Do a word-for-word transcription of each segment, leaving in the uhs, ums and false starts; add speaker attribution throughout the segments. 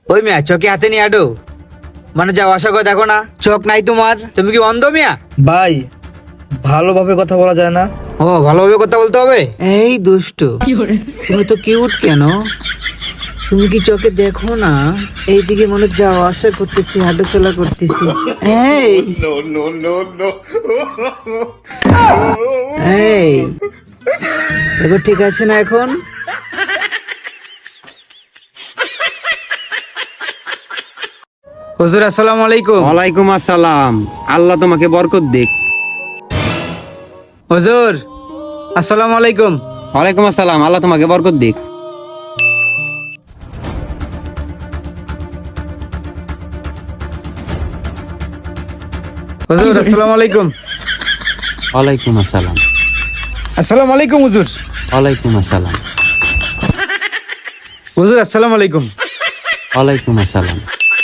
Speaker 1: ওই মিয়া চোখে হাতে নিয়ে আডো, মানে যাও আশা করে দেখো না, চোখ নাই তোমার? তুমি কি অন্ধ মিয়া?
Speaker 2: ভাই ভালোভাবে কথা বলা যায় না?
Speaker 1: ও ভালোভাবে কথা বলতে হবে। এই দুষ্টু, তুমি তো কিউট কেন? তুমি কি চোখে দেখো না? এইদিকে মনে যাওয়া আসা করতেছি, হাঁটাচলা করতেছি। এই এই দেখো ঠিক আছে না এখন? হুজুর আসসালামু আলাইকুম।
Speaker 3: ওয়ালাইকুম আসসালাম, আল্লাহ তোমাকে বরকত দিক।
Speaker 1: হুজুর আসসালামু আলাইকুম।
Speaker 3: ওয়ালাইকুম আসসালাম, আল্লাহ তোমাকে বরকত দিক।
Speaker 1: হুজুর আসসালামু আলাইকুম।
Speaker 3: ওয়ালাইকুম আসসালাম।
Speaker 1: আসসালামু আলাইকুম হুজুর।
Speaker 3: ওয়ালাইকুম আসসালাম।
Speaker 1: হুজুর আসসালামু আলাইকুম।
Speaker 3: ওয়ালাইকুম আসসালাম।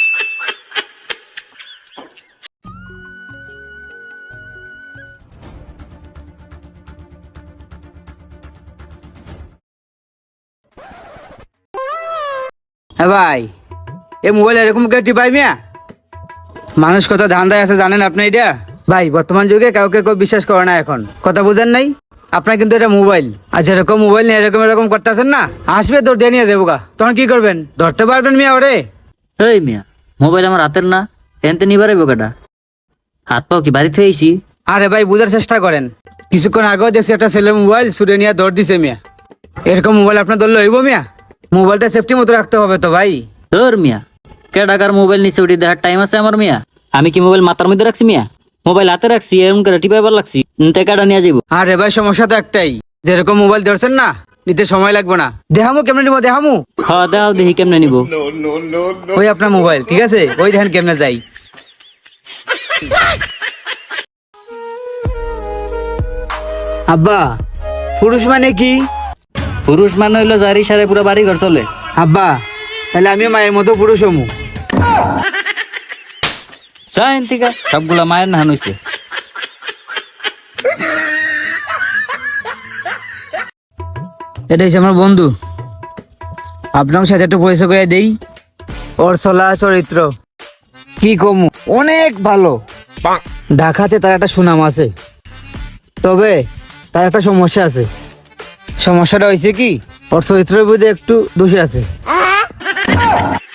Speaker 1: হ্যাঁ ভাই, এ মোবাইল এরকম কেউ টিপাই মিয়া? মানুষ কত ধান্দায় আছে জানেন আপনি এটা? ভাই বর্তমান যুগে কাউকে কেউ বিশ্বাস করে না এখন, কথা বুঝেন নাই? আপনার কিন্তু এটা মোবাইল, আর যেরকম মোবাইল নিয়ে এরকম এরকম করতেছেন না, আসবে তোর দিয়ে নিয়ে দেবো গা, তখন কি করবেন? ধরতে পারবেন মিয়া ওরে?
Speaker 4: এই মিয়া, মোবাইল আমার হাতের না, এনতে নিবারে বোকাটা। হাত পাও কি বাড়িতে হয়েছি?
Speaker 1: আরে ভাই বুঝার চেষ্টা করেন, কিছুক্ষণ আগেও দেখছি একটা ছেলের মোবাইল ছুড়ে নিয়ে দৌড় দিছে মিয়া। এরকম মোবাইল আপনার ধরলে হইব মিয়া? মোবাইলটা সেফটি মতো রাখতে হবে তো ভাই।
Speaker 4: ধর মিয়া, কে টাকার মোবাইল নিচে উঠে দেখার টাইম আছে আমার মিয়া? আমি কি মোবাইল মাথার মধ্যে রাখছি মিয়া? মোবাইল হাতে রাখছি, এরকম করে টিপাইবার লাগছি, তে কাটা নিয়ে যাবো।
Speaker 1: আরে ভাই সমস্যা তো একটাই, যেরকম মোবাইল ধরছেন না, নিতে সময় লাগবে না। দেখামু কেমনে নিবো? দেখামু
Speaker 4: হ্যাঁ দাও দেখি কেমনে নিব।
Speaker 1: ওই আপনার মোবাইল ঠিক আছে, ওই দেখেন কেমনে যাই। আব্বা, পুরুষ মানে কি?
Speaker 4: পুরুষ মানে হইলো যার ইশারে পুরো বাড়ি ঘর চলে।
Speaker 1: আব্বা তাহলে আমিও মায়ের মতো পুরুষ হমু।
Speaker 4: চাইন থেকে সবগুলা মায়ের নাহান হইছে।
Speaker 1: এটা হচ্ছে আমার বন্ধু, আপনার সাথে একটু পরিচয় করে দেই। ওর চলা চরিত্র কি কমু, অনেক ভালো। ঢাকাতে তার একটা সুনাম আছে, তবে তার একটা সমস্যা আছে। সমস্যাটা হয়েছে কি, ওর চরিত্রের মধ্যে একটু দোষী আছে।